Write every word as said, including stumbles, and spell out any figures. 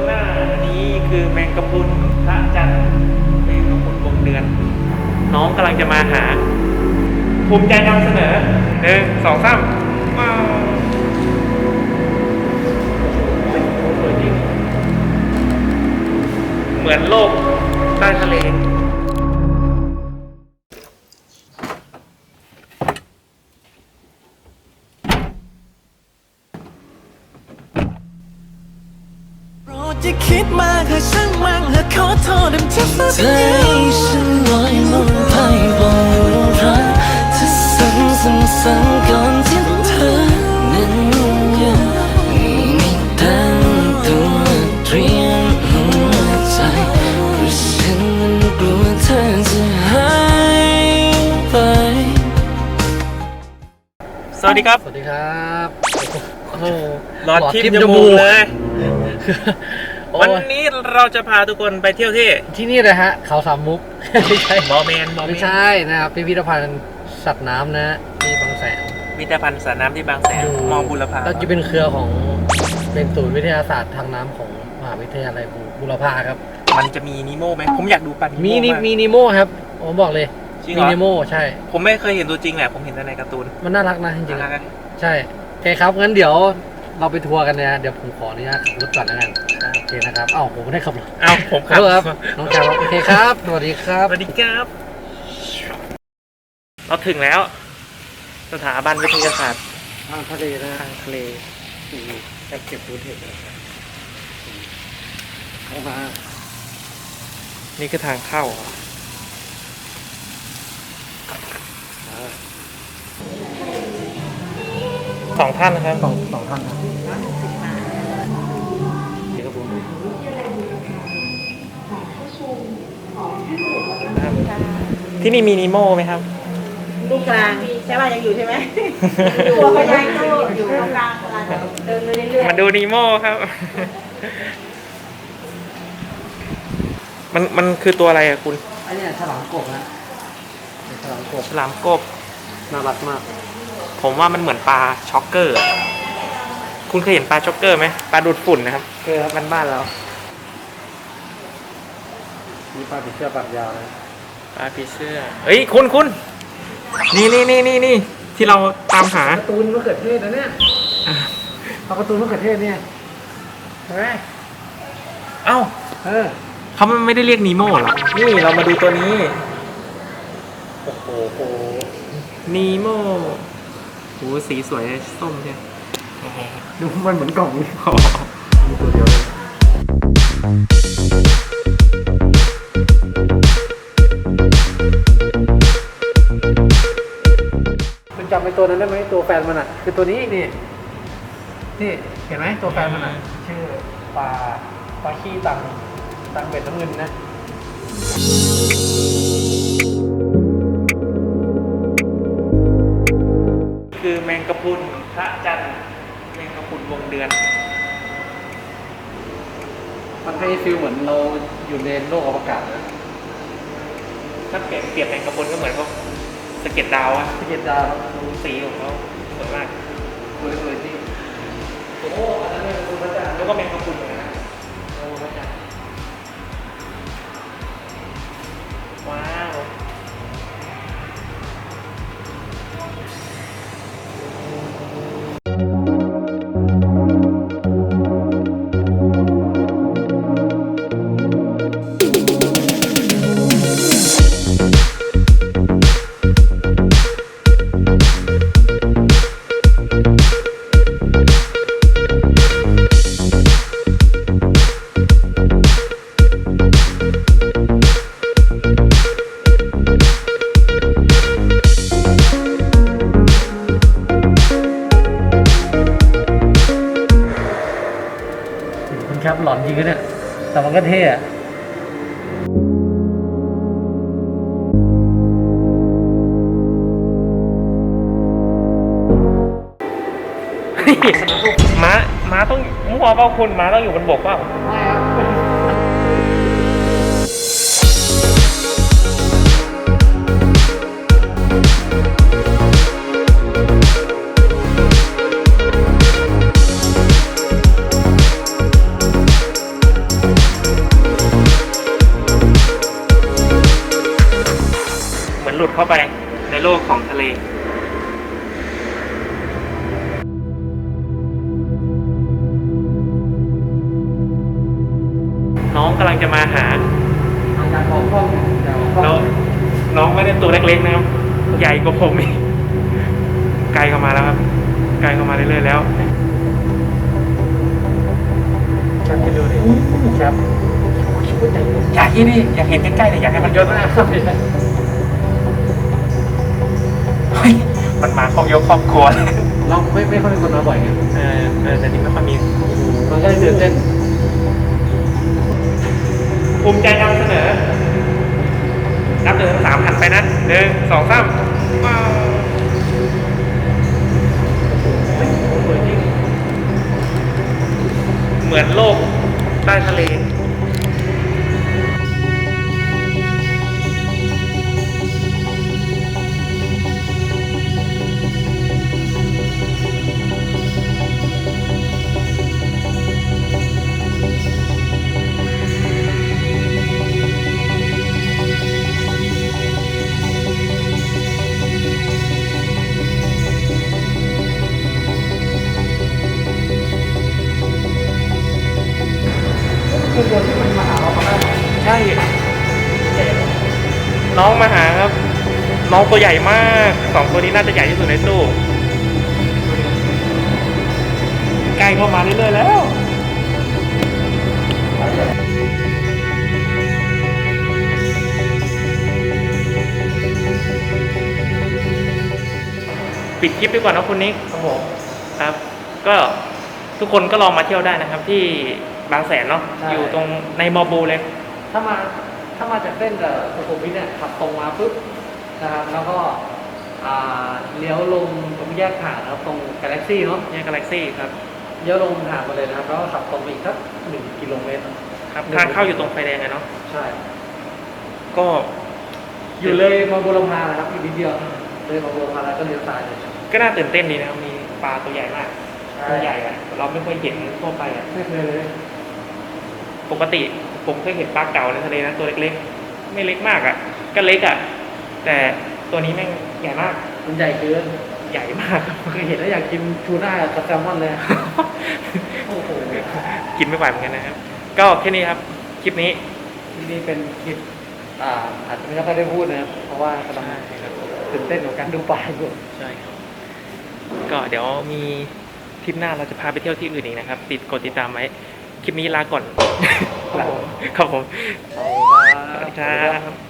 หน้านี้คือแมงกะพรุนพระจันทร์แมงกะพรุนวงเดือนน้องกำลังจะมาหาภูมิใจนำเสนอหนึ่งสองสามว้าวสวยจริงเหมือนโลกใต้ทะเลจะคิดมาเธอช่างมั่งและขอโทษมันจะฝันใจฉันลอยลงไปบนรักเธอสั่งสั่งสั่งก่อนที่เธอนั้นยังไม่ตั้งตัวเตรียมหัวใจเพราะฉันนั้นกลัวเธอจะหายไปสวัสดีครับสวัสดีครับโอ้โหหลอดทิพย์จมูกเลยวันนี้เราจะพาทุกคนไปเที่ยวที่ที่นี่เลยฮะเขาสามมุกไม่ใช่บอแมนไม่ใช่นะครับพิพิธภัณฑ์สัตว์น้ำนะที่บางแสนพิพิธภัณฑ์สัตว์น้ำที่บางแสนมองบุรพาแล้วจะเป็นเครือของเป็นศูนย์วิทยาศาสตร์ทางน้ำของมหาวิทยาลัยบุรพาครับมันจะมีนีโม่ไหมผมอยากดูปลามีมีนีโม่ครับผมบอกเลยมีนีโม่ใช่ผมไม่เคยเห็นตัวจริงแหละผมเห็นแต่ในการ์ตูนมันน่ารักนะจริงๆใช่โอเคครับงั้นเดี๋ยวเราไปทัวร์กันนะเดี๋ยวผมขออนุญาตขับรถก่อนแล้วกันโอเคนะครับอ้าวผมไม่ได้ขับรถอ้าวผมขับครับน้องแก้วโอเคครับสวัสดีครับสวัสดีครับเราถึงแล้วสถาบันวิทยาศาสตร์ทางทะเลนะทางทะเลจะเก็บรูเทปเข้ามานี่คือทางเข้าสองท่านนะครับสองสองท่านครับที่นี่มีนีโม่ไหมครับลูกกลางใช่ป่ะยังอยู่ใช่ไหมตัวเขายังอยู่ตรงกลางเดินเรื่อยๆมาดูนีโม่ครับมันมันคือตัวอะไรอะคุณอันนี้ฉลามกบนะฉลามกบฉลามกบน่ารักมากผมว่ามันเหมือนปลาช็อกเกอร์คุณเคยเห็นปลาช็อกเกอร์ไหมปลาดูดฝุ่นนะครับเคยครับบ้านบ้านเรามีปลาผีเสื้อปากยาวนะปลาผีเสื้อเฮ้ยคุณคุณนี่นี่นี่นี่นี่ที่เราตามหาการ์ตูนมะเขือเทศนะเนี่ยเอาการ์ตูนมะเขือเทศเนี่ยเฮ้ยเอ้าเออเขาไม่ได้เรียกนีโม่หรอนี่เรามาดูตัวนี้โอ้โหนีโม่โอ้สีสวยส้มใช่ดูมันเหมือนกล่องนี่มีตัวเดียวเลยคุณจำไอ้ตัวนั้นได้ไหมตัวแฟนมันอ่ะคือตัวนี้นี่นี่เห็นไหมตัวแฟนมันอ่ะชื่อปลาปลาขี้ตังตังเบ็ดน้ำเงินนะคือแมงกะพรุนพระจันทร์แมงกะพรุนวงเดือนมันให้ฟีลเหมือนเราอยู่ในโลกอวกาศนะถ้าเปรียบเปรียบแมงกะพรุนก็เหมือนพวกสะเก็ดดาวอะสะเก็ดดาวดูสีของเขาสวยมากสวยสวยจริงโอ้อันนั้นเป็นพระจันทร์แล้วก็แมงกะพรุนเหมือนกันนะโอ้พระจันทร์ว้าวครับหลอนจริงเนี่ยแต่มันก็เท่อะม้าม้าต้องมั่วเปล่าคุณม้าต้องอยู่บนบกเปล่าไม่ครับเข้าไปในโลกของทะเลน้องกำลังจะมาหาอาจารย์บอกห้องแต่ห้แล้วองน้องไม่ได้ตัวเล็กๆนะครับ ใหญ่กว่าผมอีกไกลเข้ามาแล้วครับไกลเข้ามาเรื่อยๆแล้วแคปไปดูดิแคปอยากที่นี่อยากเห็นใกล้ๆเลยอยากให้มันเยอะมากครับเฮ้ยมันมาครอบยกครอบครัวเลยเราไม่ไม่ค่อยมีคนมาบ่อยไงเออเออแต่นี่ไม่ค่อยมีมันก็เลยตื่นเต้นภูมิใจนำเสนอ นับหนึ่งถึงสามหันไปนะหนึ่งสองสามว้าวสวยจริงเหมือนโลกใต้ทะเลคือตัวที่มันมาหาเราเขาได้ไหมใช่ น้องมาหาครับ น้องตัวใหญ่มากสองตัวนี้น่าจะใหญ่ที่สุดในตู้ใกล้เข้ามาเรื่อยๆแล้ว ปิดคลิปดีกว่านะคุณนิกครับผมครับ ก็ทุกคนก็ลองมาเที่ยวได้นะครับ ที่บางแสนเนาะใช่อยู่ตรงในมอบูเลยถ้ามาถ้ามาจากเส้นกับสุขุมวิทเนี่ยขับตรงมาปุ๊บนะครับแล้วก็อ่าเลี้ยวลงตรงแยกหาดนะครับตรงกาแล็กซี่เนาะแยกกาแล็กซี่ครับเลี้ยวลงหาดมาเลยนะครับแล้วก็ขับตรงไปอีกสักหนึ่งกิโลเมตรครับทางเข้าอยู่ตรงไฟแดงไงเนาะใช่ก็อยู่เลยมาบุรพานะครับอีกนิดเดียวเลยมาบุรพาแล้วก็เลี้ยวซ้ายเลยก็น่าตื่นเต้นดีนะครับ มีปลาตัวใหญ่มากใช่ตัวใหญ่อะเราไม่เคยเห็นทั่วไปอะไม่เคยเลยปกติผมเคยเห็นปลาเก๋าในทะเลนะตัวเล็กๆ ไม่เล็กมากอะก็เล็กอะแต่ตัวนี้แม่งใหญ่มากมันใหญ่เกินใหญ่มากครับเคยเห็นแล้วอยากกินทูน่ากับแซลมอนเลยโอ้โหกินไม่ไหวเหมือนกันนะครับ ก็แค่นี้ครับ คลิปนี้นี่เป็นคลิปอ่าอาจจะไม่ค่อยได้พูดนะครับเพราะว่ากำลังตื่นเต้นกับการดูปลาอยู่ใช่ครับ ก็เดี๋ยวมีทริปหน้าเราจะพาไปเที่ยวที่อื่นอีกนะครับ ติดกดติดตามไว้ คลิปนี้ลาก่อนครับผมครับผมขอบคุณสวัสดีครับ